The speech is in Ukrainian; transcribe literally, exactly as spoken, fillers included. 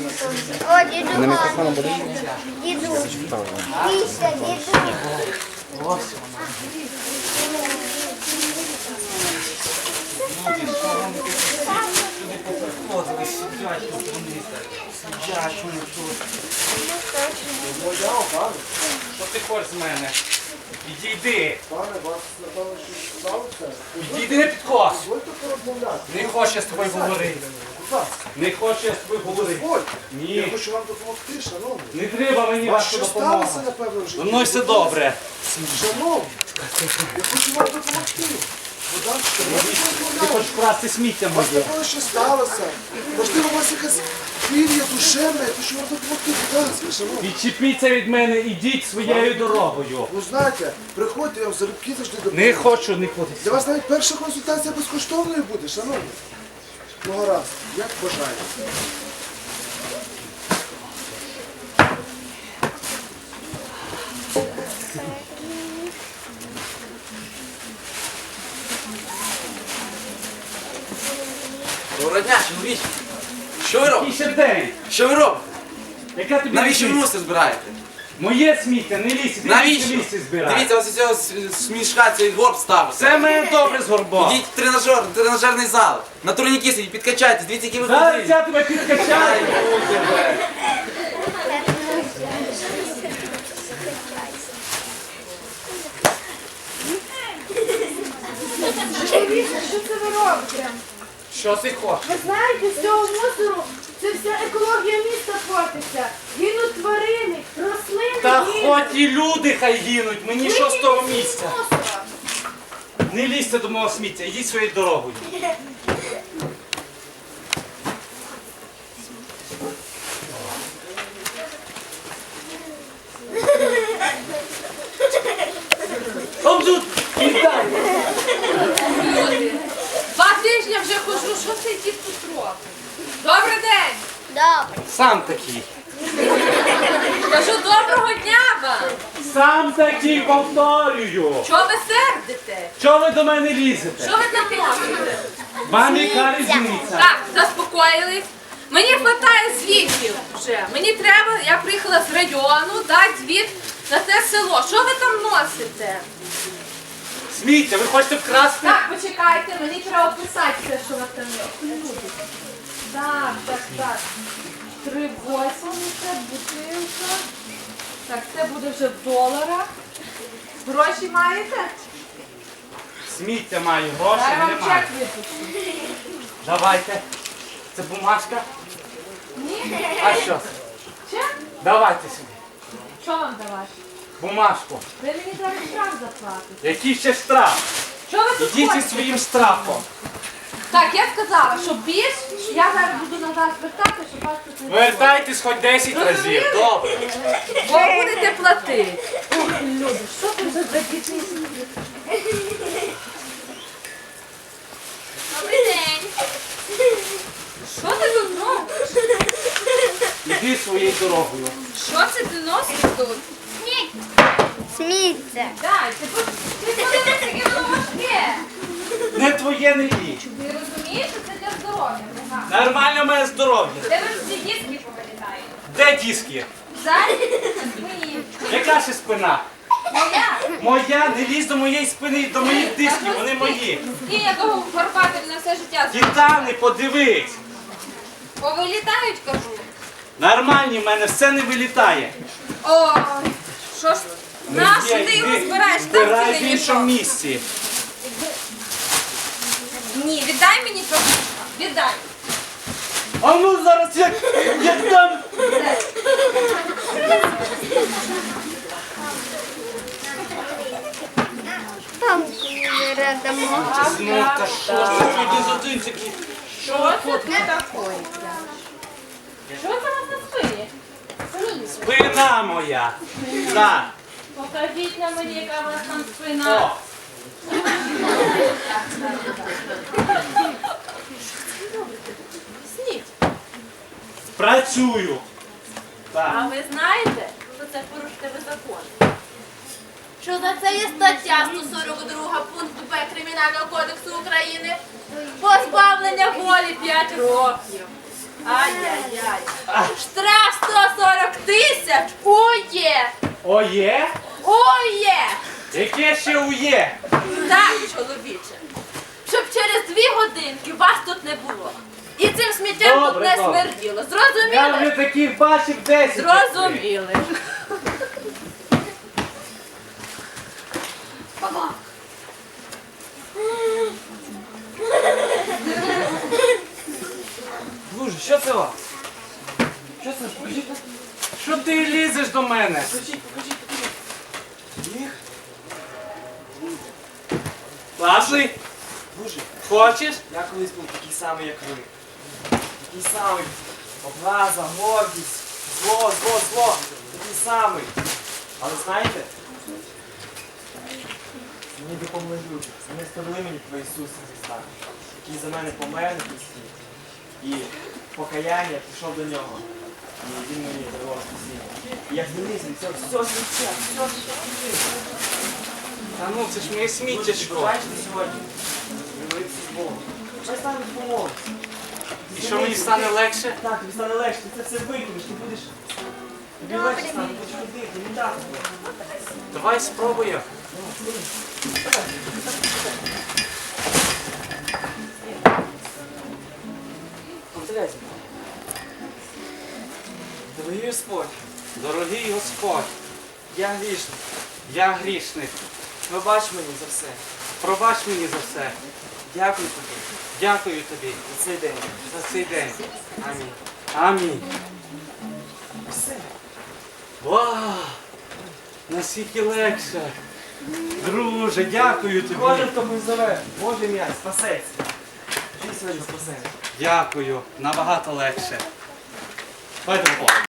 О, діду, на мікрофоном буде? Діду. Дійся, діду. Ось вона. Люди, що вони сюди поприходили, сидять тут вони. Сидять вони тут. Що ти хочеш з мене? Відійди. Пане, вас, напевно, щось сталося? Відійди, не підкос. Дозвольте порозмовляти. Не хочу я з тобою говорити. Будь ласка. Не хочу я з тобою говорити. Дозвольте. Я Ні. хочу вам допомогти, шановні. Не треба мені Вас вашу що допомогу. сталося, напевно, в житті? Зі мною все добре. Шановні, я хочу вам допомогти. Будь ласка, Ти розмовляти. хочеш красти сміття У вас, моє. напевно, що сталося. Можливо, у вас якась хвилія душевна, я хочу вам допомогти. Будь ласка, шановні. Відчепіться від мене, ідіть своєю дорогою. Ну, знаєте, приходьте, я вам залюбки завжди допомогу. Не хочу, не хочу. Для вас навіть перша консультація безкоштовною буде, шановні. Ну, гаразд, як бажаєте. Доброго дня, чоловіче. Що ви робите? Який ще день? Що ви робите? Яка тобі Навіщо ви різниця? мусор збираєте? Моє сміття, не лізь, іди Навіщо? в лісі збирай. Дивіться, ось із цього с- смішка цей горб ставиться. Це мене добре з горбом. Ідіть в тренажер, в тренажерний зал. На турніки сидіть, підкачайтесь, дивіться, які ви Зараз круті. я тебе підкачаю. Що це ви робите? Що ти хочеш? Ви знаєте, з цього мусору це вся екологія міста портиться. Гинуть тварини, рослини. Та гинуть. хоч і люди хай гинуть, мені що з того Викиньте місця? мусора. Не лізьте до мого сміття, ідіть своєю дорогою. Он тут, віддай. Два тижні вже хожу, що цей дід тут робить? Добрий день! Добре. Сам такий. Кажу, доброго дня вам! Сам такий повторюю. Чого ви сердите? Чого ви до мене лізете? Що ви там робите? Вам яка різниця? Так, заспокоїлись. Мені вистачає звітів вже. Мені треба, я приїхала з району, дати звіт на це село. Що ви там носите? Сміття, ви хочете вкрасти? Так, почекайте, мені треба описати все, що ви там є. Так, так, так. Три восьмдесят, бутилка. Так, це буде вже в доларах. Гроші маєте? Сміття маю, грошей Дай вам немає. чек випишу. Давайте. Це бумажка. Ні? А що? Чек? Давайте сюди. Що вам давати? Бумажку. Ви мені зараз штраф заплатите. Який ще штраф? Що ви тут Ідіть зі хочете? своїм штрафом. Так, я сказала, що більш я зараз буду на вас звертати, щоб вас тут не було. Вертайтесь хоч десять разів. Добре. Ви будете платити. Ох, люди, що ти за дітей? Добрий день. Що ти тут робиш? Іди своєю дорогою. Що це ти носиш тут? Сміття. Дай, ти по- ти подивись, яке воно важке. Не твоє, не ліч. Ти розумієш, що це для здоров'я? Ага. Нормально моє здоров'я. Де ви всі диски повилітають? Де диски? Зараз мої. Яка ще спина? Моя. Моя, не лізь до моєї спини, до моїх дисків, вони мої. Скинь якого горбатим на все життя. Титани, подивись. Повилітають, кажу. Нормальні в мене, все не вилітає. Ой, що ж, нащо Є, ти його йди, збираєш? збирай Там в цілий іншому мішок. місці. Ні, віддай мені трохи. Віддай. А ну зараз як, як там. Там не дамо. Ну та що ж це один з один такий? Що це тут таке? Що це у вас на спині? Спина моя. Так. Покажіть на мені, яка у вас там спина. О. Сніть. Працюю. А Так. ви знаєте, що це порушити ви закон? Що за це є стаття сто сорок два пункту Б Кримінального кодексу України? Позбавлення волі п'ять років. Ай-яй-яй. Штраф сто сорок тисяч. Ує. Оє? Ує. Яке ще ує? Так, чоловіче. Щоб через дві годинки вас тут не було. І цим сміттям тут Добре, не добре. смерділо. Я вже Зрозуміли? таких бачив десять. Зрозуміли. Друже, що це у вас? Що це? Покажіть. Що ти лізеш до мене? Покажіть, покажіть, покажіть. Їх? Класний? Боже, Хочеш? я колись був такий самий, як ви. Такий самий. Образа, гордість, зло, зло, зло. Такий самий. Але знаєте, мені допомогли люди. Вони ставили мені про Ісуса Христа, який за мене помер на хресті. І покаяння пішов до нього. І він мені дарував спасіння. І я змінився від цього всього життя, всього життя. Та ну, це ж моє сміттячко. Бачите сьогодні? Говориться з Богом. Хай стане допомогти. І що мені стане легше? Так, тобі стане легше, ти це все викинеш, ти будеш. Тобі легше стане, будеш ходити, не так буде. Давай спробуємо. Повторяйся. Дорогий Господь, Дорогий Господь, я грішний. я грішник. Пробач мені за все. Пробач мені за все. Дякую тобі Дякую тобі за цей день. за цей день. Амінь. Амінь. Все. Вау! Наскільки легше. Друже, дякую тобі. Кожен, хто позове, Боже ім'я, спасеться. Ти сьогодні спасеться. Дякую. Набагато легше. Давайте поплаваємо.